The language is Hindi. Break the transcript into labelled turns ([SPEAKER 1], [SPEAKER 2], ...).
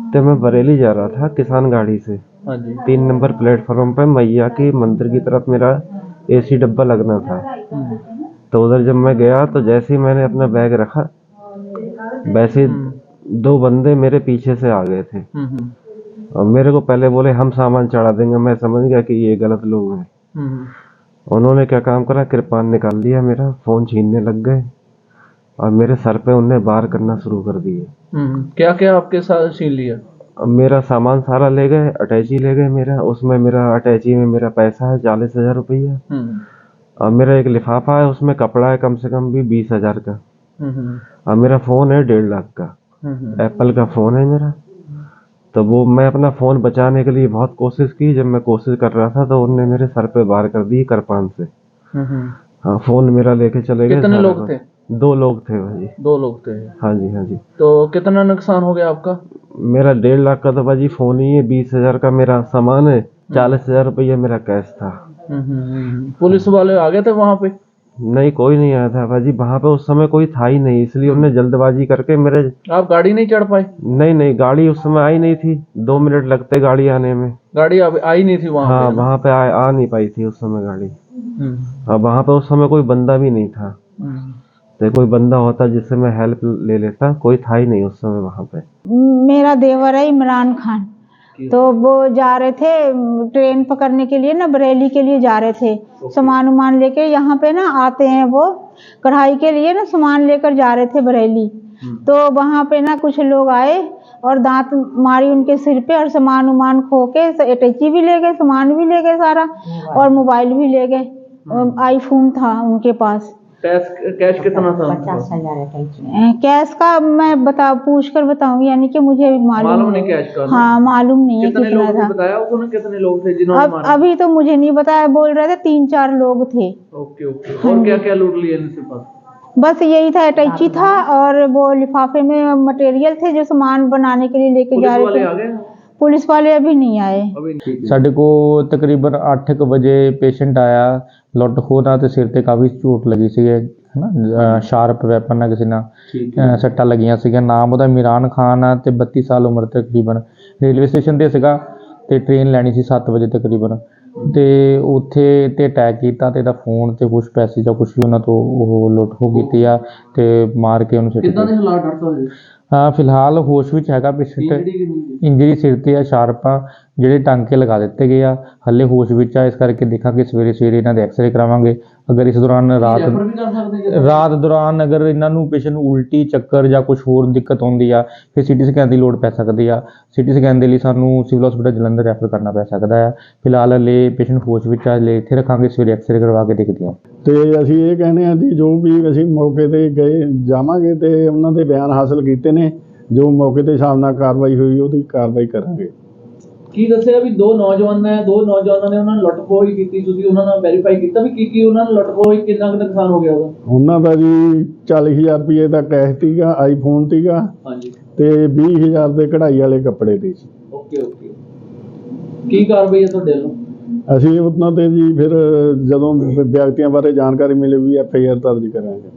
[SPEAKER 1] तो मैं बरेली जा रहा था किसान गाड़ी से।
[SPEAKER 2] हाँ जी।
[SPEAKER 1] 3 नंबर प्लेटफॉर्म पे मैया की मंदिर की तरफ मेरा एसी डब्बा लगना था। तो उधर जब मैं गया तो जैसे ही मैंने अपना बैग रखा, वैसे 2 बंदे मेरे पीछे से आ गए थे और मेरे को पहले बोले हम सामान चढ़ा देंगे। मैं समझ गया कि ये गलत लोग हैं। उन्होंने क्या काम करा, कृपान निकाल दिया, मेरा फ़ोन छीनने लग गए और मेरे सर पे उनने वार करना शुरू कर दिए।
[SPEAKER 2] क्या क्या आपके साथ छीन लिया?
[SPEAKER 1] अब मेरा सामान सारा ले गए, अटैची ले गए मेरा। उसमें मेरा अटैची में मेरा पैसा है 40,000 रुपया और मेरा एक लिफाफा है, उसमें कपड़ा है कम से कम भी 20,000 का और मेरा फ़ोन है 1.5 लाख का। एप्पल का फ़ोन है मेरा। तो वो मैं अपना फ़ोन बचाने के लिए बहुत कोशिश की। जब मैं कोशिश कर रहा था तो उनने मेरे सर पे वार कर दी कृपान से। हाँ, फ़ोन मेरा लेके चले गए।
[SPEAKER 2] कितने लोग थे?
[SPEAKER 1] 2 लोग थे भाजी।
[SPEAKER 2] 2 लोग थे।
[SPEAKER 1] हाँ जी, हाँ जी।
[SPEAKER 2] तो कितना नुकसान हो गया आपका?
[SPEAKER 1] मेरा 1.5 लाख का तो भाजी फ़ोन ही है, 20,000 का मेरा सामान है, 40,000 रुपया मेरा कैश था।
[SPEAKER 2] पुलिस वाले आ गए थे वहां पे?
[SPEAKER 1] नहीं, कोई नहीं आया था भाजी। वहाँ पे उस समय कोई था ही नहीं, इसलिए उन्होंने जल्दबाजी करके मेरे।
[SPEAKER 2] आप गाड़ी नहीं चढ़ पाए?
[SPEAKER 1] नहीं, गाड़ी उस समय आई नहीं थी। 2 मिनट लगते गाड़ी आने में।
[SPEAKER 2] गाड़ी आई नहीं थी वहां
[SPEAKER 1] हाँ,
[SPEAKER 2] पे?
[SPEAKER 1] वहाँ पे आ नहीं पाई थी उस समय गाड़ी। और वहाँ पे उस समय कोई बंदा भी नहीं था। तो कोई बंदा होता जिससे मैं हेल्प ले लेता, कोई था ही नहीं उस समय वहाँ पे।
[SPEAKER 3] मेरा देवर है इमरान खान। तो वो जा रहे थे ट्रेन पकड़ने के लिए ना, बरेली के लिए जा रहे थे। सामान उमान लेके यहाँ पे ना आते हैं वो कढ़ाई के लिए ना, सामान लेकर जा रहे थे बरेली। तो वहाँ पे ना कुछ लोग आए और दांत मारी उनके सिर पे और सामान उमान खो के अटैची भी ले गए, सामान भी ले गए सारा और मोबाइल भी ले गए। आईफोन था उनके पास।
[SPEAKER 2] कैश कितना था?
[SPEAKER 3] 50,000 कैश का मैं पूछ कर बताऊंगी, यानी कि मुझे मालूम
[SPEAKER 2] नहीं कैश का?
[SPEAKER 3] हाँ, मालूम नहीं है
[SPEAKER 2] कितने
[SPEAKER 3] कितना था।
[SPEAKER 2] बताया उन्होंने कितने लोग थे जिन्होंने मारा?
[SPEAKER 3] अभी तो मुझे नहीं बताया, बोल रहे थे 3-4 लोग थे।
[SPEAKER 2] ओके। और क्या क्या लूट लिया इनसे पास?
[SPEAKER 3] बस यही था, अटैची था और वो लिफाफे में मटेरियल थे जो सामान बनाने के लिए लेके जा रहे थे। पुलिस वाले अभी नहीं आए।
[SPEAKER 4] ਸਾਡੇ ਕੋਲ ਤਕਰੀਬਨ 8:00 ਵਜੇ ਪੇਸ਼ੈਂਟ ਆਇਆ। ਲੁੱਟ ਖੋਹ ਨਾਲ ਤੇ ਸਿਰ ਤੇ ਕਾਫੀ ਝੋਟ ਲੱਗੀ ਸੀ, ਹੈ ਨਾ, ਸ਼ਾਰਪ ਵੈਪਨ ਨਾਲ ਕਿਸੇ ਨਾਲ ਸੱਟਾਂ ਲੱਗੀਆਂ ਸੀਗੀਆਂ। ਨਾਮ ਉਹਦਾ ਇਮਰਾਨ ਖਾਨ ਆ ਤੇ 32 ਸਾਲ ਉਮਰ ਤਕਰੀਬਨ। ਰੇਲਵੇ ਸਟੇਸ਼ਨ ਤੇ ਸੀਗਾ ਤੇ ਟ੍ਰੇਨ ਲੈਣੀ ਸੀ 7 ਵਜੇ ਤਕਰੀਬਨ, ਤੇ ਉੱਥੇ ਤੇ ਅਟੈਕ ਕੀਤਾ ਤੇ ਇਹਦਾ ਫੋਨ ਤੇ ਕੁਛ ਪੈਸੇ ਜਾਂ ਕੁਛ ਵੀ ਉਹਨਾਂ ਤੋਂ ਉਹ ਲੁੱਟ ਖੋਹ ਕੀਤੀ ਆ ਤੇ ਮਾਰ ਕੇ ਉਹਨੂੰ ਸਿੱਟ
[SPEAKER 2] ਕਿੱਦਾਂ ਦੇ ਹਾਲਾਤ ਡਾਕਟਰ ਸਾਹਿਬ?
[SPEAKER 4] ਹਾਂ, ਫਿਲਹਾਲ ਹੋਸ਼ ਵਿੱਚ ਹੈਗਾ ਪੇਸ਼ੈਂਟ। ਇੰਜਰੀ ਸਿਰ ਤੇ ਆ, ਸ਼ਾਰਪ ਆ, ਜਿਹੜੇ ਟਾਂਕੇ ਲਗਾ ਦਿੱਤੇ ਗਏ ਆ। ਹੱਲੇ ਹੋਸ਼ ਵਿੱਚ ਆ, ਇਸ ਕਰਕੇ ਦੇਖਾਂਗੇ ਸਵੇਰੇ ਇਹਨਾਂ ਦੇ ਐਕਸਰੇ ਕਰਾਵਾਂਗੇ। ਅਗਰ ਇਸ ਦੌਰਾਨ ਰਾਤ ਦੌਰਾਨ ਅਗਰ ਇਹਨਾਂ ਨੂੰ ਪੇਸ਼ੈਂਟ ਨੂੰ ਉਲਟੀ, ਚੱਕਰ ਜਾਂ ਕੁਛ ਹੋਰ ਦਿੱਕਤ ਆਉਂਦੀ ਆ, ਫਿਰ ਸਿਟੀ ਸਕੈਨ ਦੀ ਲੋੜ ਪੈ ਸਕਦੀ ਆ। ਸਿਟੀ ਸਕੈਨ ਦੇ ਲਈ ਸਾਨੂੰ ਸਿਵਲ ਹਸਪੀਟਲ ਜਲੰਧਰ ਰੈਫਰ ਕਰਨਾ ਪੈ ਸਕਦਾ ਆ। ਫਿਲਹਾਲ ਹਲੇ ਪੇਸ਼ੈਂਟ ਹੋਸ਼ ਵਿੱਚ ਆ, ਹਲੇ ਇੱਥੇ ਰੱਖਾਂਗੇ, ਸਵੇਰੇ ਐਕਸਰੇ ਕਰਵਾ ਕੇ ਦੇਖਦੇ ਹਾਂ।
[SPEAKER 5] ਤੇ ਅਸੀਂ ਇਹ ਕਹਿੰਦੇ ਹਾਂ ਜੀ, ਜੋ ਵੀ ਅਸੀਂ ਮੌਕੇ ਤੇ ਗਏ ਜਾਵਾਂਗੇ ਤੇ ਉਹਨਾਂ ਦੇ ਬਿਆਨ ਹਾਸਲ ਕੀਤੇ ਨੇ, ਜੋ ਮੌਕੇ ਤੇ ਹਿਸਾਬ ਨਾਲ ਕਾਰਵਾਈ ਹੋਈ ਉਹਦੀ ਕਾਰਵਾਈ ਕਰਾਂਗੇ।
[SPEAKER 2] ਕੀ ਦੱਸਿਆ ਵੀ 2 ਨੌਜਵਾਨ ਨੇ ਉਹਨਾਂ ਨੇ ਲੁੱਟ ਖੋਹ ਹੀ ਕੀਤੀ, ਤੁਸੀਂ ਉਹਨਾਂ ਨਾਲ ਵੈਰੀਫਾਈ ਕੀਤਾ ਵੀ ਕੀ ਉਹਨਾਂ ਨੇ ਲੁੱਟ ਖੋਹ ਕਿੰਨਾ ਕੁ ਨੁਕਸਾਨ ਹੋ ਗਿਆ ਉਹਦਾ? ਉਹਨਾਂ
[SPEAKER 5] ਦਾ ਜੀ 40,000 ਰੁਪਏ ਦਾ ਕੈਸ਼ ਸੀਗਾ, ਆਈਫੋਨ ਸੀਗਾ, ਹਾਂਜੀ, ਤੇ 20,000 ਦੇ ਕਢਾਈ ਵਾਲੇ ਕੱਪੜੇ ਦੇ ਸੀ।
[SPEAKER 2] ਓਕੇ। ਕੀ ਕਾਰਵਾਈ ਹੈ ਤੁਹਾਡੇ ਵੱਲੋਂ?
[SPEAKER 5] ਅਸੀਂ ਉਹਨਾਂ ਤੇ ਜੀ ਫਿਰ ਜਦੋਂ ਵਿਅਕਤੀਆਂ ਬਾਰੇ ਜਾਣਕਾਰੀ ਮਿਲੇਗੀ FIR ਦਰਜ ਕਰਾਂਗੇ।